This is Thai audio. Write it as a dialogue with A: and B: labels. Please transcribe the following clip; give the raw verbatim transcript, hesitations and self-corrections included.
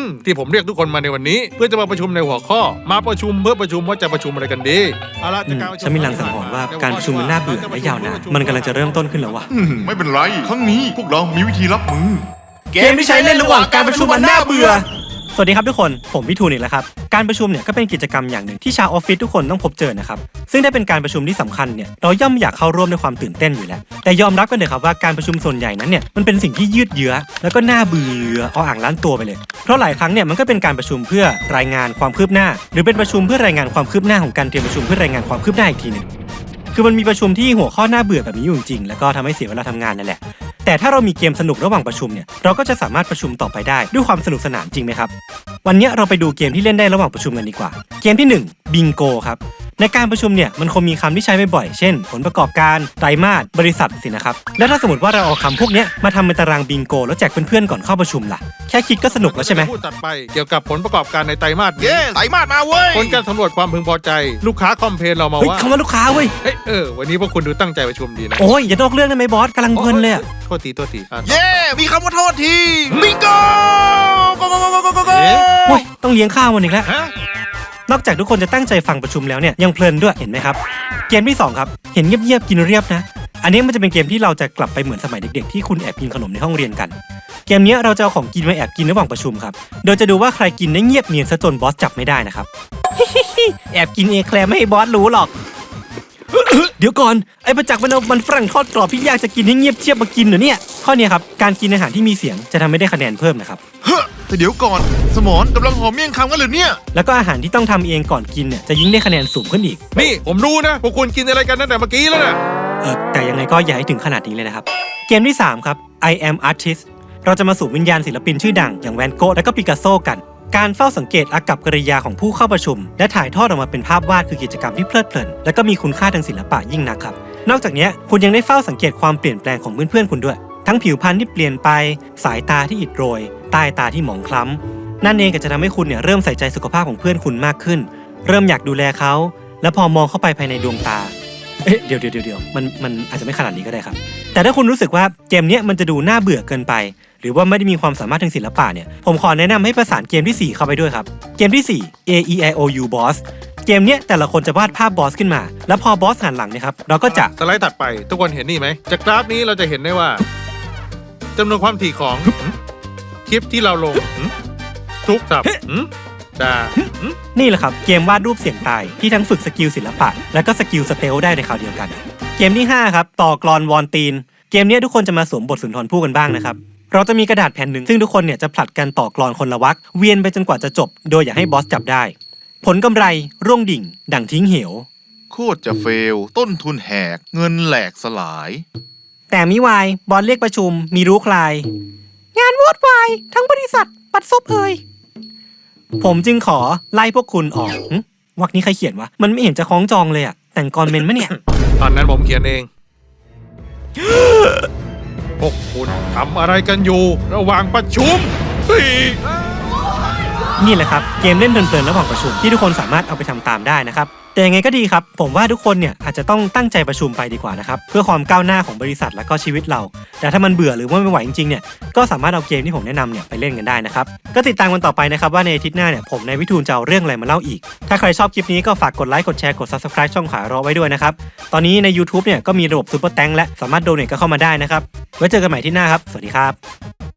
A: ที่ผมเรียกทุกคนมาในวันนี้เพื่อจะมาประชุมในหัวข้อมาประชุมเพื่อประชุมว่าจะประชุมอะไรกันดีเอาละ
B: ฉันมีลางสังหรณ์ว่าการประชุมมันน่าเบื่อและยาวนานมันกำลังจะเริ่มต้นขึ้นแล้ววะ
C: ไม่เป็นไรครั้งนี้พวกเรามีวิธีรับมือ
B: เกมที่ใช้เล่นระหว่างการประชุมมันน่าเบื่อสวัสดีครับทุกคนผมวิทูลอีกแล้วครับการประชุมเนี่ยก็เป็นกิจกรรมอย่างหนึ่งที่ชาวออฟฟิศทุกคนต้องพบเจอนะครับซึ่งถ้าเป็นการประชุมที่สำคัญเนี่ยเราย่อมอยากเข้าร่วมด้วยความตื่นเต้นอยู่แล้วแต่ยอมรับกันเลยครับว่าการประชุมส่วนใหญ่นั้นเนี่ยมันเป็นสิ่งที่ยืดเยื้อแล้วก็น่าเบื่อเอาอ่างล้านตัวไปเลยเพราะหลายครั้งเนี่ยมันก็เป็นการประชุมเพื่อรายงานความคืบหน้าหรือเป็นประชุมเพื่อรายงานความคืบหน้าของการเตรียมประชุมเพื่อรายงานความคืบหน้าอีกทีนึงคือมันมีประชุมที่หัวข้อน่าเบื่อแบบนี้อยู่จริงแล้วก็ทำให้เสียเวลาทำงานนั่นแหละแต่ถ้าเรามีเกมสนุกระหว่างประชุมเนี่ยเราก็จะสามารถประชุมต่อไปได้ด้วยความสนุกสนานจริงไหมครับวันนี้เราไปดูเกมที่เล่นได้ระหว่างประชุมกันดีกว่าเกมที่หนึ่งบิงโกครับในการประชุมเนี่ยมันคงมีคำที่ใช้บ่อยๆเช่นผลประกอบการไตรมาสบริษัทสินะครับและถ้าสมมติว่าเราเอาคำพวกนี้มาทำเป็นตารางบิงโกแล้วแจกเพื่อนๆก่อนเข้าประชุมล่ะแค่คิดก็สนุกแล้วใช่ไหม
A: พูดตัดไปเกี่ยวกับผลประกอบการในไตรมาส
C: เย้ไตรมาสมาเว้ย
A: ผลการสำรวจความพึงพอใจลูกค้าคอมเพลนเรามาว่า
B: คำว่าลูกค้าเว้ย
A: เฮ้ยเออวันนี้พวกคุณดูตั้งใจประชุมดีนะ
B: โอ้ยอย่านอกเรื่องได้ไหมบอสกำลังเพลินเลยอะ
A: โทษทีโทษที
C: เย้มีคำว่าโทษทีบิงโกโกโกโกโกโกโก
B: โอ้ยต้องเลี้ยงข้าวมันอีกแล้วนอกจากทุกคนจะตั้งใจฟังประชุมแล้วเนี่ยยังเพลินด้วยเห็นไหมครับเกมที่สองครับเห็นเงียบๆกินเรียบนะอันนี้มันจะเป็นเกมที่เราจะกลับไปเหมือนสมัยเด็กๆที่คุณแอบกินขนมในห้องเรียนกันเกมนี้เราจะเอาของกินมาแอบกินระหว่างประชุมครับโดยจะดูว่าใครกินได้เงียบเนียนซะจนบอสจับไม่ได้นะครับ แอบกินเอแคลร์ไม่ให้บอสรู้หรอก เดี๋ยวก่อนไอ้ประจักษ์มันเอามันฝรั่งทอดกรอบพี่ยากจะกินให้เงียบเชียบมากินเหรอเนี่ยข้อนี้ครับการกินอาหารที่มีเสียงจะทำให้ได้คะแนนเพิ่มนะครับ
C: เฮ้ยแต่เดี๋ยวก่อนสมอนกำลังหอมเมี่ยงคำกันหรือเนี่ย
B: แล้วก็อาหารที่ต้องทำเองก่อนกินเนี่ยจะยิ่งได้คะแนนสูงขึ้นอีก
A: นี่ผมรู้นะพวกคุณกินอะไรกันตั้งแต่เมื่อกี้แล้วนะ
B: เออแต่ยังไงก็อย่าให้ถึงขนาดนี้เลยนะครับเกมที่สามครับ I am artist เราจะมาสู่วิญญาณศิลปินชื่อดังอย่างแวนโกะและก็ปิกัสโซกันการเฝ้าสังเกตอากัปกิริยาของผู้เข้าประชุมและถ่ายทอดออกมาเป็นภาพวาดคือกิจกรรมที่เพลิดเพลินและก็มีคุณค่าทางศิลปะยิ่งนักครับนอกจากนี้คุณยังได้เฝ้าสังเกตความเปลี่ยนแปลงของเพื่อนๆคุณด้วยทั้งผิวพรรณที่เปลี่ยนไปสายตาที่อิดโรยใต้ตาที่หมองคล้ำนั่นเองก็จะทำให้คุณเนี่ยเริ่มใส่ใจสุขภาพของเพื่อนคุณมากขึ้นเริ่มอยากดูแลเขาและพอมองเข้าไปภายในดวงตาเอ๊ะเดี๋ยวเดี๋ยวเดี๋ยวมันมันอาจจะไม่ขนาดนี้ก็ได้ครับแต่ถ้าคุณรู้สึกว่าเกมนี้มันจะดูน่าเบื่อเกินไปหรือว่าไม่ได้มีความสามารถทางศิลปะเนี่ยผมขอแนะนำให้ประสานเกมที่สี่เข้าไปด้วยครับเกมที่สี่ A E I O U Boss เกมเนี้ยแต่ละคนจะวาดภาพบอสขึ้นมาแล้วพอบอสหันหลังเนี่ยครับเราก็จะ
A: สไลด์ถัดไปทุกคนเห็นนี่ไหมจากกราฟนี้เราจะเห็นได้ว่าจำนวนความถี่ของคลิปที่เราลงทุกสับดา
B: นี่แหละครับเกมวาดรูปเสียงตายที่ทั้งฝึกสกิลศิลปะและก็สกิลสเตลได้ในคราวเดียวกันเกมที่ห้าครับต่อกลอนวอนตีนเกมนี้ทุกคนจะมาสวมบทสุนทรภู่กันบ้างนะครับเราจะมีกระดาษแผ่นหนึ่งซึ่งทุกคนเนี่ยจะผลัดกันต่อกลอนคนละวรรคเวียนไปจนกว่าจะจบโดยอย่าให้บอสจับได้ผลกำไรร่วงดิ่งดั่งทิ้งเหว
C: โคตรจะเฟลต้นทุนแหกเงินแหลกสลาย
B: แต่มิวายบอสเรียกประชุมมีรู้ใครงานวอดวายทั้งบริษัทปัดซบเอ่ยผมจึงขอไล่พวกคุณออกวรรคนี้ใครเขียนวะมันไม่เห็นจะคล้องจองเลยอะแต่งกรเมนมะเนี่ย
A: ตอนนั้นผมเขียนเอง พวกคุณทำอะไรกันอยู่ระหว่างประชุม
B: นี่แหละครับเกมเล่นเพลินๆระหว่างประชุมที่ทุกคนสามารถเอาไปทำตามได้นะครับแต่ยังไงก็ดีครับผมว่าทุกคนเนี่ยอาจจะต้องตั้งใจประชุมไปดีกว่านะครับเพื่อความก้าวหน้าของบริษัทและก็ชีวิตเราแต่ถ้ามันเบื่อหรือว่าไม่ไหวจริงๆเนี่ยก็สามารถเอาเกมที่ผมแนะนำเนี่ยไปเล่นกันได้นะครับก็ติดตามกันต่อไปนะครับว่าในอาทิตย์หน้าเนี่ยผมนายวิทูลจะเอาเรื่องอะไรมาเล่าอีกถ้าใครชอบคลิปนี้ก็ฝากกดไลค์กดแชร์กด ซับสไครบ์ ช่องขารอไว้ด้วยนะครับตอนนี้ใน ยูทูบ เนี่ยก็มีระบบซุปเปอร์แตงและสามารถโดเนทก็เข้ามาได้นะครับไว้เจอกันใหม่ที่หน้าครับสวัสดีครับ